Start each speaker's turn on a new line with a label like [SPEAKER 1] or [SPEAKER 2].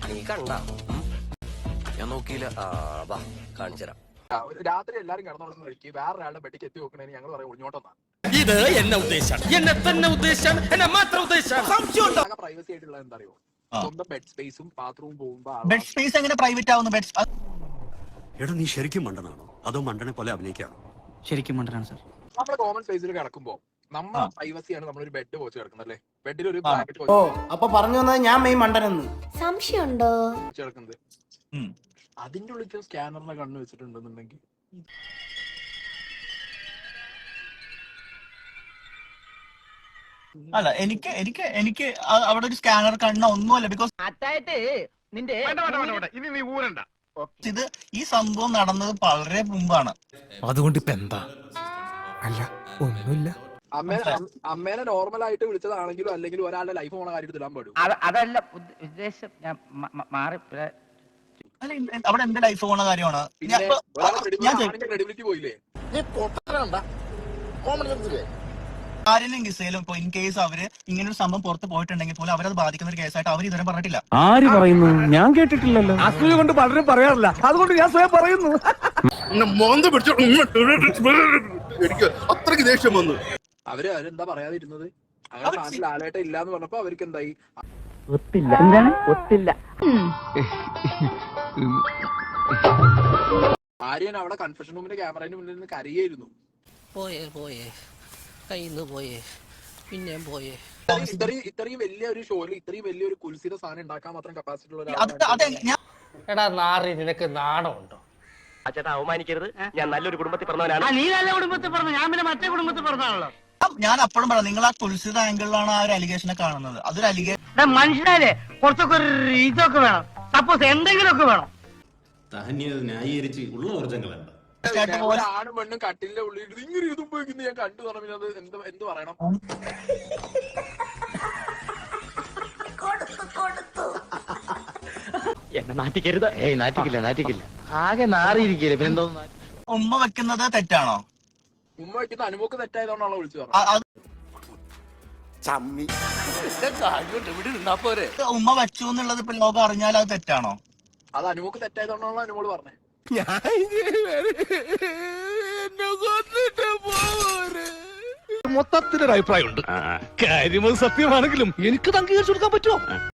[SPEAKER 1] നീ കണ്ട ഞാൻ നോക്കിയില്ല. വാ കാണിച്ചുതരാം.
[SPEAKER 2] രാത്രി എല്ലാരും കിടന്നു കഴിക്കും, വേറൊരാളുടെ ബെഡിക്ക് എത്തി നോക്കണേന് ഞങ്ങൾ പറയാം ഒളിഞ്ഞോട്ടെന്നാ.
[SPEAKER 3] ഇത് എന്നെ ഉദ്ദേശം, എന്നെ തന്നെ ഉദ്ദേശം, എന്നെ മാത്രം ഉദ്ദേശം.
[SPEAKER 2] പ്രൈവസി ആയിട്ടുള്ള എന്താ അറിയോ, സ്വന്തം ബെഡ് സ്പേസും ബാത്റൂം പോകുമ്പോ
[SPEAKER 4] ബെഡ് സ്പേസ് എങ്ങനെ പ്രൈവറ്റ് ആവുന്നു?
[SPEAKER 5] എടാ നീ ശരിക്കും മണ്ടനാണോ അതോ മണ്ടനെ പോലെ അഭിനയിക്കാണോ?
[SPEAKER 6] ശരിക്കും മണ്ടനാണ് സാർ.
[SPEAKER 2] നമ്മുടെ കോമൺ സ്പേസിൽ കിടക്കുമ്പോ നമ്മുടെ പ്രൈവസിയാണ് നമ്മളൊരു ബെഡ് പോച്ച് കിടക്കുന്നത് അല്ലേ, ബെഡിൽ ഒരു
[SPEAKER 7] ഓ അപ്പൊ പറഞ്ഞു വന്നത് ഞാൻ മെയ് മണ്ടനെന്ന്
[SPEAKER 8] സംശയമുണ്ടോ
[SPEAKER 2] കിടക്കുന്നത്. അതിന്റെ ഉള്ളിൽ സ്കാനറിനെ കണ്ണു വെച്ചിട്ടുണ്ടെന്നുണ്ടെങ്കിൽ
[SPEAKER 4] അല്ല എനിക്ക് എനിക്ക് എനിക്ക് അവിടെ ഒരു സ്കാനർ കണ്ണ ഒന്നുമല്ല. ബിക്കോസ് ഇത് ഈ സംഭവം നടന്നത് വളരെ മുമ്പാണ്.
[SPEAKER 3] അതുകൊണ്ട് ഇപ്പൊ എന്താ? അല്ല ഒന്നുമില്ല.
[SPEAKER 2] അമ്മേനെ നോർമൽ ആയിട്ട് വിളിച്ചതാണെങ്കിലും അല്ലെങ്കിൽ ഒരാളുടെ ലൈഫ് പോണ കാര്യത്തിൽ ഇടാൻ പാടും.
[SPEAKER 6] അതല്ല ഉദ്ദേശം, ഞാൻ മാറി.
[SPEAKER 4] അല്ല അവിടെ എന്റെ ലൈഫ് പോണ കാര്യമാണ്.
[SPEAKER 2] ക്രെഡിബിലിറ്റി പോയില്ലേ?
[SPEAKER 4] ആരെങ്കിലും കിസയിലും ഇപ്പൊ ഇൻ കേസ് അവര് ഇങ്ങനെ ഒരു സംഭവം പുറത്ത് പോയിട്ടുണ്ടെങ്കിൽ പോലും അവരത് ബാധിക്കുന്ന ഒരു കേസായിട്ട് അവർ ഇതുവരെ പറഞ്ഞിട്ടില്ല.
[SPEAKER 3] ആര് പറയുന്നു? ഞാൻ കേട്ടിട്ടില്ലല്ലോ. അസൂയ കൊണ്ട് പലരും പറയാറില്ല, അതുകൊണ്ട് ഞാൻ സ്വയം പറയുന്നു.
[SPEAKER 5] എനിക്ക് അത്രയ്ക്ക് ദേഷ്യം വന്നു.
[SPEAKER 2] അവരെന്താ പറയാതിരുന്നത്? അങ്ങനെ നാട്ടിൽ ആലേട്ട ഇല്ലാന്ന് പറഞ്ഞപ്പോ അവർക്ക് എന്തായി?
[SPEAKER 6] ഒത്തില്ല. എന്താണ് ഒത്തില്ല?
[SPEAKER 2] ആര്യൻ അവിടെ കൺഫെഷൻ റൂമിന്റെ ക്യാമറയുടെ മുന്നിൽ നിന്ന് കരയായിരുന്നു.
[SPEAKER 1] പോയേ കയ്യിന്ന് പോയേ, പിന്നെയും പോയേ.
[SPEAKER 2] ഇത്രയും വലിയ ഒരു ഷോയിൽ ഇത്രയും വലിയൊരു കുൽസിത സാധനം ഉണ്ടാക്കാൻ മാത്രം കപ്പാസിറ്റി ഉള്ള
[SPEAKER 1] എടാ നാറി, നിനക്ക് നാണമുണ്ടോ?
[SPEAKER 9] ചേട്ടാ അവമാനിക്കരുത്, ഞാൻ നല്ലൊരു കുടുംബത്തിൽ പറഞ്ഞവനാണ്.
[SPEAKER 6] നീ നല്ല കുടുംബത്തിൽ പറഞ്ഞു, ഞാൻ പിന്നെ മറ്റേ കുടുംബത്തിൽ പറഞ്ഞാണല്ലോ.
[SPEAKER 4] ഞാൻ അപ്പോഴും പറയാം, നിങ്ങൾ ആ കുൽസിത ആംഗിളിലാണ് ആ ഒരു അലിഗേഷനെ കാണുന്നത്. അതൊരു അലിഗേഷൻ.
[SPEAKER 6] മനുഷ്യനാലേ കുറച്ചൊക്കെ ഒരു ഇതൊക്കെ വേണം, സപ്പോസ് എന്തെങ്കിലുമൊക്കെ വേണം.
[SPEAKER 5] ന്യായീകരിച്ച് ഉള്ള ഊർജ്ജങ്ങളല്ല.
[SPEAKER 2] ആണും പെണ്ണും കട്ടിലിന്റെ ഉള്ളിൽ ഇങ്ങനെ ഇതുമ്പോഴേക്കും ഞാൻ കണ്ടു പറഞ്ഞത് എന്ത് പറയണം?
[SPEAKER 9] എന്നെ നാറ്റിക്കരുത്. നാറ്റിക്കില്ല. ആകെ നാറിയിരിക്കില്ല, പിന്നെന്തോ.
[SPEAKER 4] ഉമ്മ വെക്കുന്നത് തെറ്റാണോ?
[SPEAKER 2] ഉമ്മ വയ്ക്കുന്ന അനുമോക്ക് തെറ്റായതുകൊണ്ടാണോ വിളിച്ചു പറഞ്ഞത്?
[SPEAKER 4] ഉമ്മ വെച്ചു എന്നുള്ളത് ഇപ്പൊ ലോകം അറിഞ്ഞാൽ അത് തെറ്റാണോ?
[SPEAKER 2] അത് അനുമോക്ക് തെറ്റായതുകൊണ്ടാണോ അനുമോള് പറഞ്ഞത്?
[SPEAKER 3] മൊത്തത്തിലൊരു അഭിപ്രായമുണ്ട്. കാര്യം സത്യമാണെങ്കിലും എനിക്ക് അംഗീകരിച്ചു കൊടുക്കാൻ പറ്റുമോ?